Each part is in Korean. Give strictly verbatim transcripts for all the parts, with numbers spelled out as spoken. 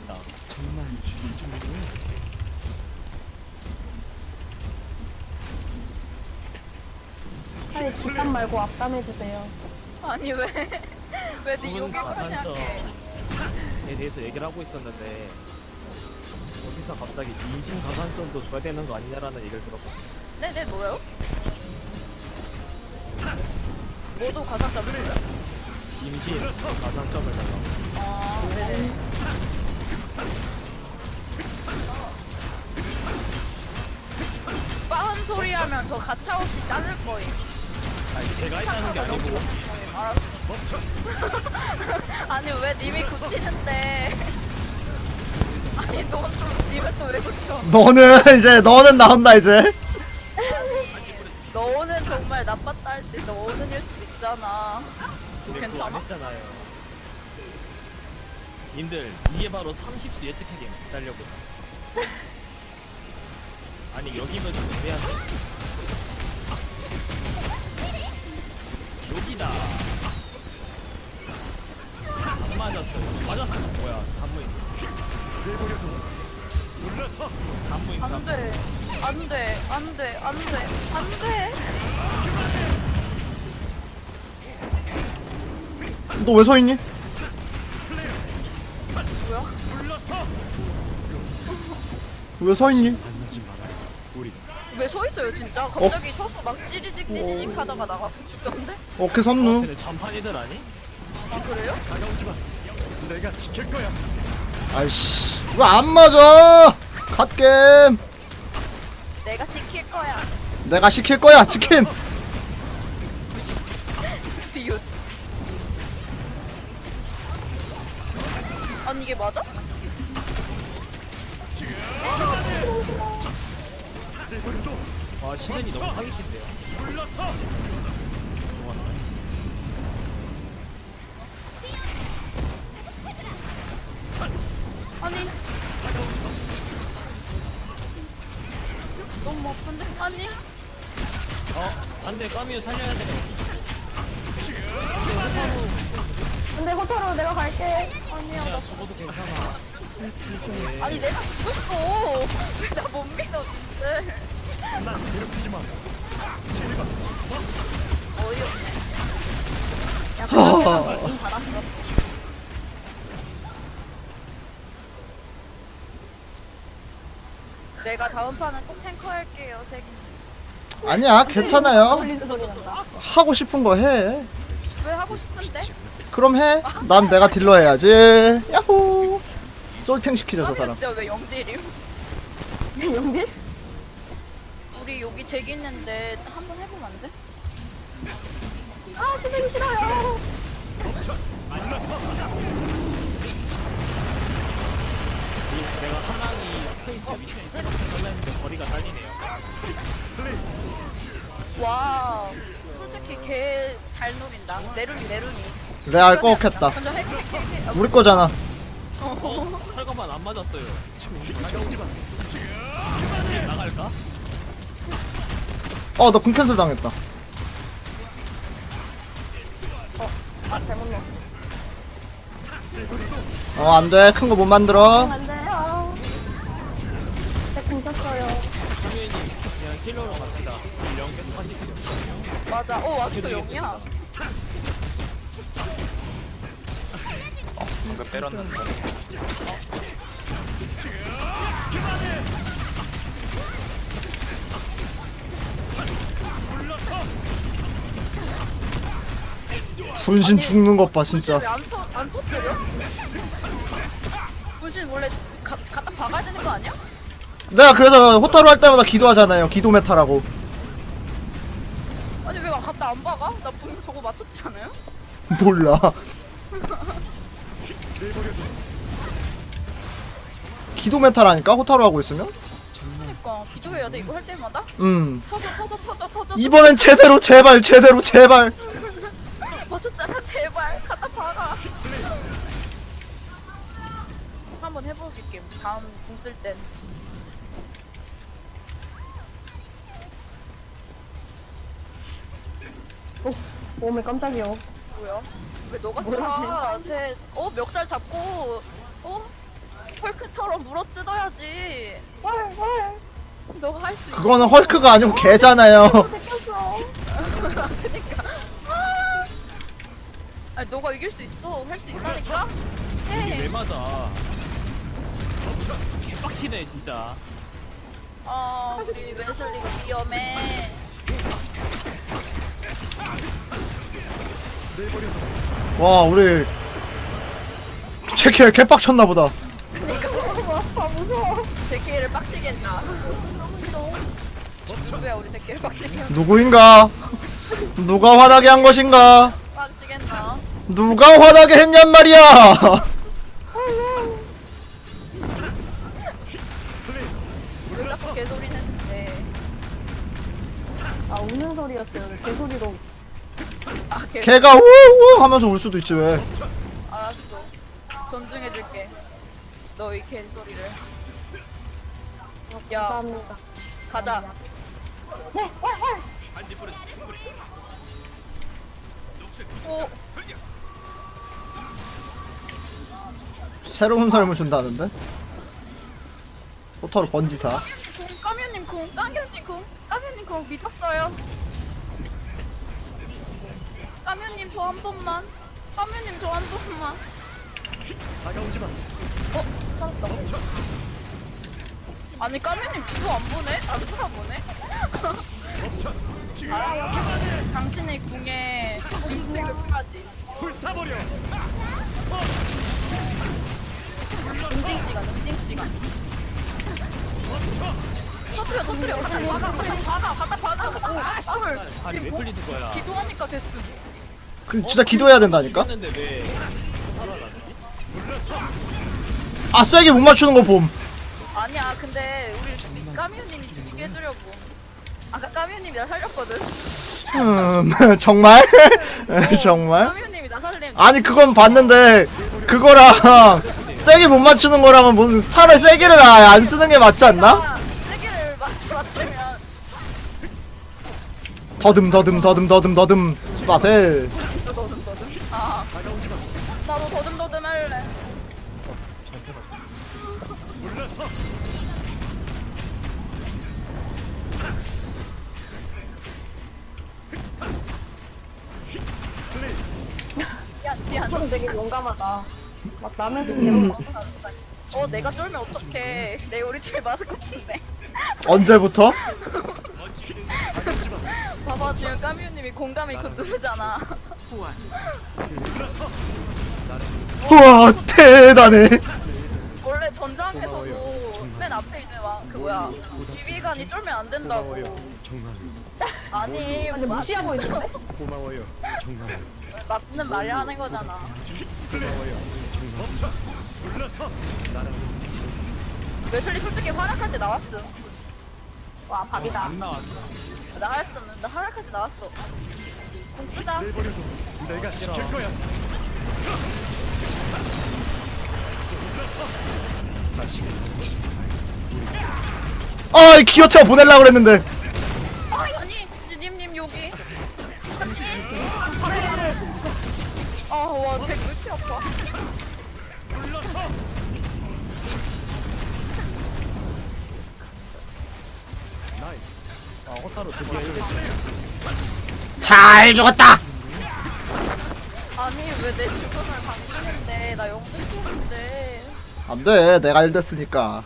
있다. 차라리 뒷담 말고 앞담 해주세요. 아니 왜? 왜 네 부분 욕을 가산점에 하냐게. 대해서 얘기를 하고 있었는데 어디서 갑자기 인신 가산점도 줘야 되는 거 아니냐라는 얘기를 들었거든. 네네 뭐요? 모두 가산점을 줘요? 임신 가산점을 달라고. 아 네네. 빠른 소리 하면 저 가차없이 자를 거임. 아니 제가 했다는 게 아니고 알았어. 아니 왜 님이 굳히는데? 아니 너또 님은 또 왜 굳혀? 너는 이제 너는 나온다 이제. 너는 정말 나빴다 할 때 너는일 수 있잖아. 근데 그거 안 괜찮아? 했잖아요. 님들 이게 바로 삼십 수 예측하기 기다려보자. 아니 여기면 좀 애매한데. 여기다. 안 맞았어요. 맞았어. 뭐야? 단무임. 단무임 안 단무임. 돼. 안 돼. 안 돼. 안 돼. 안 돼. 너 왜 서 있니? 뭐야? 왜 서 있니? 왜 서 있어요, 진짜? 갑자기 서서 막 찌리직 찌리직 하다가 나가서 죽던데? 어깨 섰누? 쟤네 전판이들 아니? 아, 그래요? 아이씨 왜 안 맞아? 갓겜. 내가 지킬 거야. 내가 시킬 거야 치킨. 비웃. 아니, 이게 맞아? 아 시즌이 너무 사기친데요. 아니. 너무 아픈데? 아니. 어 안돼 까미유 살려야 돼. 근데 호타로 내가 갈게. 아니야, 야 죽어도 괜찮아. 아니, 내가 죽었어. 왜 나 못 믿어, 근데. 어이없네. 야, 하하. 응, 받았어. 내가 다음 판은 꼭 탱커 할게요, 색이. 아니야 괜찮아요. 걸리는 소리 난다. 하고 싶은 거 해. 왜 하고 싶은데? 그럼 해. 난 내가 딜러 해야지. 야호. 솔탱 시키자 저 그러면 사람. 진짜 왜 영딜이요? 용빈? 우리 여기 잭 있는데 한번 해보면 안 돼? 아, 시대기 싫어요. 내가 하나이 스페이스 위치 생각해달라 했는데 거리가 딸리네요. 와, 솔직히 걔 잘 노린다. 내룬이 내룬이. 레알 꺾였다. 먼저 핵, 핵, 핵, 핵. 우리 거잖아. 어? 철거만 안 맞았어요. 나갈까? 어 너 궁캔슬 당했다. 아, 잘못 넣었어. 어 안돼 큰 거 못 만들어. 안 돼요. 제 끊겼어요. 상현님 그냥 킬러로 갑시다. 영 계속 하시죠. 맞아. 어, 아직도 영이야. 방금 때렸는데. 분신 죽는 것 봐 진짜. 왜안 터뜨려? 분신 원래 가, 갖다 박아야 되는 거 아니야? 내가 그래서 호타루 할 때마다 기도하잖아요. 기도 메타라고. 아니 왜 갖다 안 박아? 나 분명 저거 맞췄잖아요? 몰라. 기도 메타라니까 호타루 하고 있으면. 그러니까 기도해야 돼 이거 할 때마다? 음. 터져 터져 터져 터져 이번엔 제대로 제발 제대로 제발. 맞췄잖아 제발 갖다 박아 한번 해볼게 다음 궁 쓸 땐 오, 몸에 깜짝이야. 뭐야? 왜 너가 뭐야, 쳐? 쟤 어? 멱살 잡고 어? 헐크처럼 물어 뜯어야지. 헐, 헐. 너가 할 수 있어. 그거는 헐크가 아니고 개잖아요. 뺏겼어. 그니까. 아니 너가 이길 수 있어. 할 수 있다니까. 이게 왜 해. 맞아? 개빡치네 진짜. 아 우리 웨슬리가 위험해. 와 우리 제킬 개빡쳤나 보다. 너무 아파, 무서워. 제키를 빡치게 했나. 누구야 우리 제키를 빡치게 했나. 누구인가? 누가 화나게 한 것인가? 빡치게 했나. 누가 화나게 했냔 말이야. 왜 자꾸 개소리 내는데. 아, 우는 소리였어요. 개소리로. 아 개. 걔가 우우 하면서 울 수도 있지 왜? 알았어. 존중해줄게. 너의 개소리를. 야 감사합니다. 가자. 네, 헐, 헐. 오. 새로운 삶을 준다는데? 포터로 번지사. 쿵 까뮤님 쿵 까뮤님 쿵 까뮤님 쿵 믿었어요. 까뮤님 저 한 번만. 까뮤님 저 한 번만. 다가오지 마. 어? 살았다. 아니 까뮤님 뒤도 안 보네? 안 쳐다보네? 알았어. 당신의 궁에 리스펙을 표하지. 불타버려. 인딩 시간, 인딩 시간. 터트려, 터트려. 갖다 박아, 갖다 박아, 갖다 박아. 오, 빵을. 아니 왜 풀리는 거야? 기도하니까 됐음. 그 진짜 기도해야 된다니까? 했는데 왜 살아나지? 아 쐐기 못 맞추는 거 봄. 아니야, 근데 우리 까뮤님이 죽이게 해주려고. 아까 까뮤님이 나 살렸거든. 음 정말? 정말? 까뮤님이 나 살림. 아니 그건 봤는데 그거랑 쐐기 못 맞추는 거랑은 무슨 차라리 쐐기를 아예 안 쓰는 게 맞지 않나? 세기를 맞추 맞추면 더듬 더듬 더듬 더듬 더듬 스파셀. 있어 더듬 더듬. 아, 나도 더듬 더듬 할래. 미안 미안. 좀 되게 용감하다. 막 남의 집 괴로워. 어 내가 쫄면 어떡해. 내 우리 팀 마스코트인데. 언제부터? 봐봐 지금 까뮤님이 공감이 그 누르잖아. 우와 대단해. 원래 전장에서도 맨 앞에 있는 왕그 뭐야 지휘관이 쫄면 안 된다고. 아니 근데 무시하고 있는데? 고마워요. 정말. 맞는 말이야 하는 거잖아. 매출이 솔직히 활약할 때 나왔어. 와, 밥이다. 안 나왔어. 나 할수 없는 나 활약할 때 나왔어. 공 쓰자. 내가 지킬 거야. 아 기어태워 보낼라 그랬는데. 아니 님님 여기. 아와쟤왜 이렇게 아파. 아 호타로 드디어 이겼어. 잘 죽었다. 아니 왜 내 죽음을 반기는데 나 영웅 쏘는데. 안돼 내가 일 됐으니까.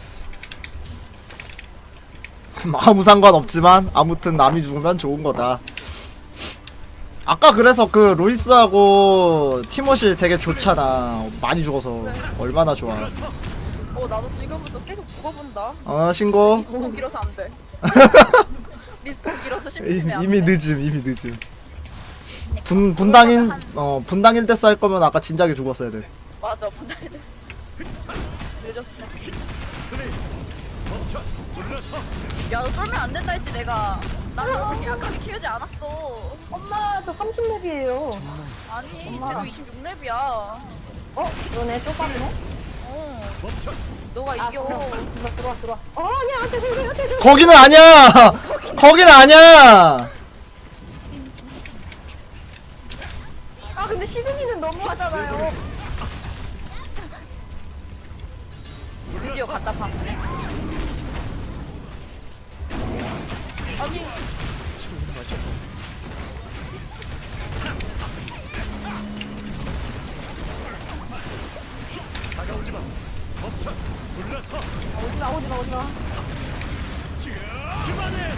아무 상관없지만 아무튼 남이 죽으면 좋은 거다. 아까 그래서 그 루이스하고 티모시 되게 좋잖아. 많이 죽어서 얼마나 좋아. 어 나도 지금부터 계속 죽어본다. 어 신고. 리스폰 길어서 안 돼. 리스폰 길어서 심심해 안 돼. 이미 늦음 이미 늦음. 분 분당인 어 분당일 때 쌀 거면 아까 진작에 죽었어야 돼. 맞아 분할이 됐어. 늦었어. 야너 쫄면 안 된다 했지 내가. 나는 그렇게 약하게 키우지 않았어. 엄마, 저 삼십 렙이에요. 아니 엄마. 쟤도 이십육 렙이야. 어? 너네 쪽팔이네? 어. 너가 아, 이겨. 들어와, 들어와, 들어와. 어, 아니야, 죄송해요, 죄송해요. 거기는 아니야. 거기는 아니야. 아, 근데 시드니는 너무하잖아요. 드디어 갖다 박네. 아니 다가오지마. 멈춰. 불러서. 오지마 오지마 오지마. 그만해.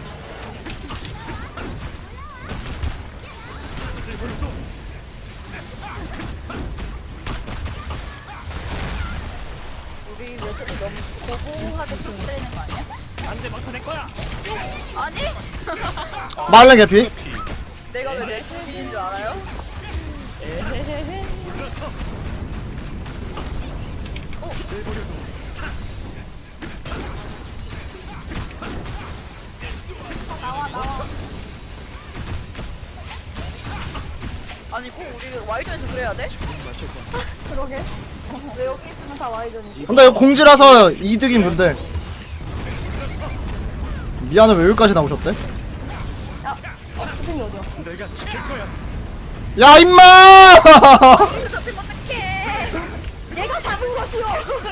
우리 웨슬리 너무 고고하게 좀 때리는 거 아니야? 안돼 막타 낼 거야. 아니 말랭 개피. 내가 왜 내 비인 줄 알아요? 에헤헤헤. 불러서. 어, 내버려둬. 나와 나와. 아니 꼭 우리 와이전에서 그래야 돼? 그러게. 왜 여기 있으면 다 와이전이지? 근데 이거 공지라서 이득인 분들. 미안해 왜 여기까지 나오셨대? 야, 어, 수빈이 어디야? 내가 지킬 거야. 야 임마! 이거 잡히면 어떡해. 내가 잡은 것이요.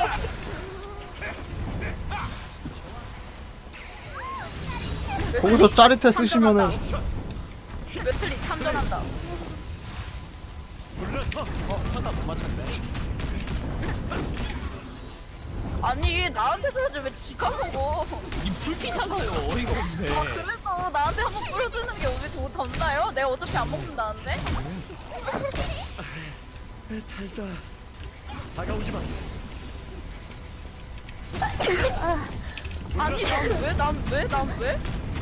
거기서 짜릿해 쓰시면은 웨슬리 참전한다. 불러서. 어, 천다 못 맞췄네. 아니 나한테 줘야지 왜 지가 먹어. 이 불피잖아요. 어이가 없네. 아 그래서 나한테 한번 뿌려주는 게 우리 더 덧나요? 내가 어차피 안 먹는다는데? 달다. 다가오지마. 아니 난 왜? 난 왜? 난 왜?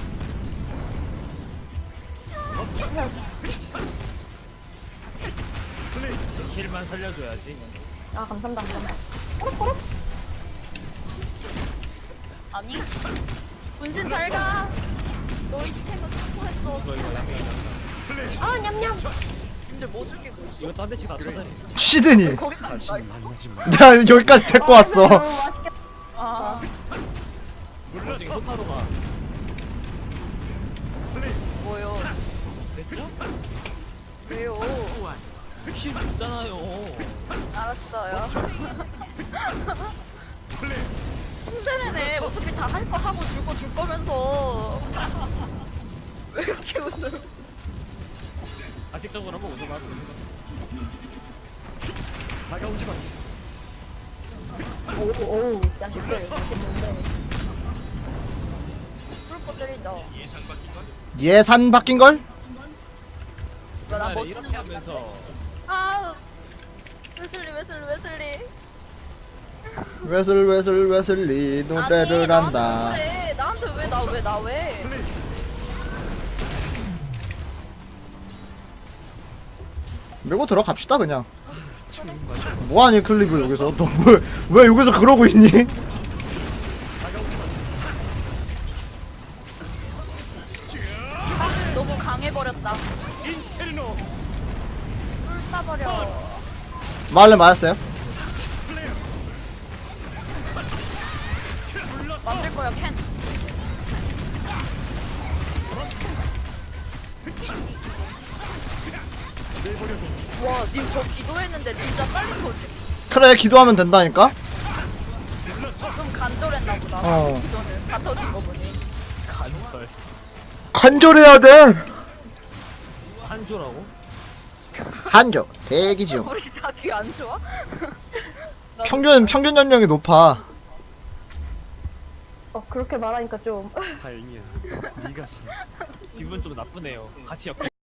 플레이. 킬만 살려줘야지. 아 감사합니다 감사합니다. 꼬록꼬록. 아니 분신 잘 가. 너희 희생은 수고했어. 이거 이거 양양. 아 냠냠. 근데 뭐 죽이고 있어? 이거 딴 데치 다 찾아. 시드니. 거기까지 나 있어. 내가 여기까지 데리고 왔어. 너무 맛있겠다. 아 불러서. 호타로가. 플레이. 뭐요? 됐죠? 왜요? 킬 있잖아요. 알았어요. 플레이. 신데레네. 어차피 다 할 거 하고 줄 거 줄 거면서 왜 이렇게 웃어? 가식적으로 한번 웃어봐. 다가오지마. 오오 야 진짜 맛있겠는데. 불꽃 때리자. 예산 바뀐 걸? 나 옛날에 멋지는 이렇게 거 하면서 아 웨슬리 웨슬리 웨슬리. 웨슬 웨슬 웨슬리 노래를 아니, 한다. 나한테, 나한테 왜 나 왜 나 왜? 밀고 들어갑시다 그냥. 뭐하니 클리브 여기서 너 왜 왜 여기서 그러고 있니? 너무 강해버렸다. 인페르노. 불 따버려. 말레 맞았어요? 만들 거야 캔. 와, 님 저 기도했는데 진짜 빨리 터지. 그래 기도하면 된다니까? 좀 간절했나 보다. 어. 기도는 다 터진 거 보니. 간절. 간절해야 돼. 한조라고? 한조 대기 중. 우리 다 귀 안 좋아? 나 평균 평균 연령이 높아. 어 그렇게 말하니까 좀. 다행이야. 네가 살았어. 기분 좀 나쁘네요. 같이 엮여.